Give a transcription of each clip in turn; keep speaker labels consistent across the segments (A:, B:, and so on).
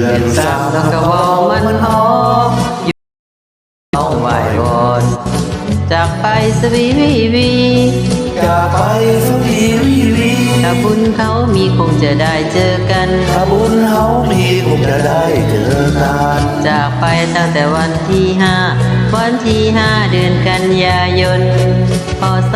A: ดือนสามแล้วก็ว่ามันหอมน้องไหววอนจากไปสวีวีวี
B: จากไปสวีวีวี
A: ถ้าบุญเขามีคงจะได้เจอกัน
B: ถ้าบุญเขามีคงจะได้เจอกัน
A: จากไปตั้งแต่วันที่ห้าเดือนกันยายนพศ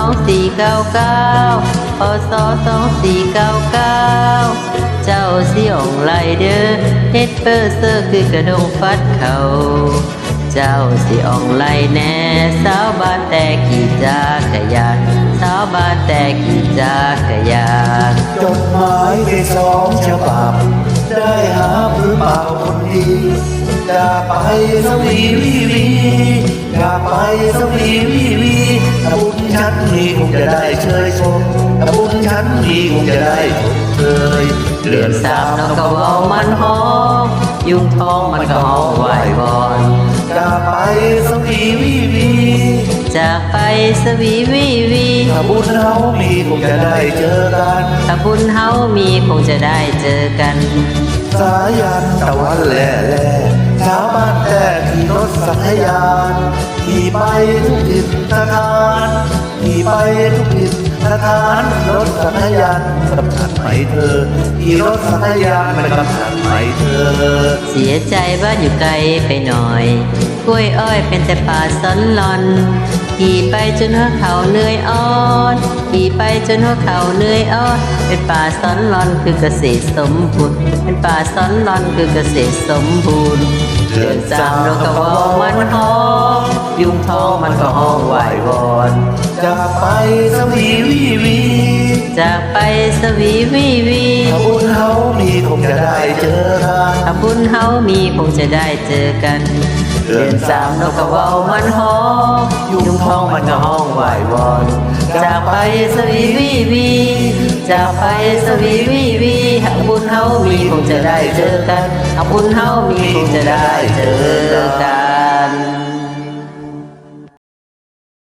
A: 2499พศ2499เจ้าสิอ่องไลเดอร์เฮ็ดเปอร์เซอร์คือกระดงฟัดเขาเจ้าสิอ่องไลแน่สาวบ้านแต่ขี่จักรยานสาวบ้านแต่ขี่จักรยาน
B: จดหมายในสองฉบับได้หาพื้นเปล่าคนดีจากไปสวีวีวีจากไปสวีวีวีถ้าบุญฉันมีคงจะได้เชยชมถ้าบุญฉันมีคงจะได้ชมเชย
A: เดือนสามนกกระเว่ามันหอมยุงทองมันก็หอมไหววอน
B: จากไปสวีวีวี
A: จากไปสวีวีวี
B: ถ้าบุญเฮามีคงจะได้เจอกัน
A: ถ้าบุญเฮามีคงจะได้เจอกัน
B: สายันตะวันแหล่แหล่ชาวบ้านแต่ขี่รถสัญญาณขี่ไปทุกทิศสถานขี่ไปทุกทิศสถานรถสัญญาณกับฉันไหมเธอขี่รถสัญญาณไปกับฉันไหมเธอ
A: เสียใจบ้านอยู่ไกลไปหน่อยกล้วยอ้อยเป็นแต่ป่าสนหลอนขี่ไปจนหัวเขาเหนื่อยอ่อนขี่ไปจนหัวเขาเหนื่อยอ่อนเป็นป่าสนหลอนคือเกษตรสมบูรณ์เป็นป่าสนหลอนคือเกษตรสมบูรณ์เดือนสามเราก็ว่ามันหอมยุงทองมันก็ห้องไหววอน
B: จากไปสวีวีวี
A: จากไปสวีวีวี
B: ถ้าบุญเฮามีคงจะได้เจอกัน
A: ถ้าบุญเฮามีคงจะได้เจอกันเดือนสามนกกระเว่ามันหอมยุงทองมันก็ห้องไหววอนจากไปสวีวีวีจากไปสวีวีวีถ้าบุญเฮามีคงจะได้เจอกันถ้าบุญเฮามีคงจะได้เจอกัน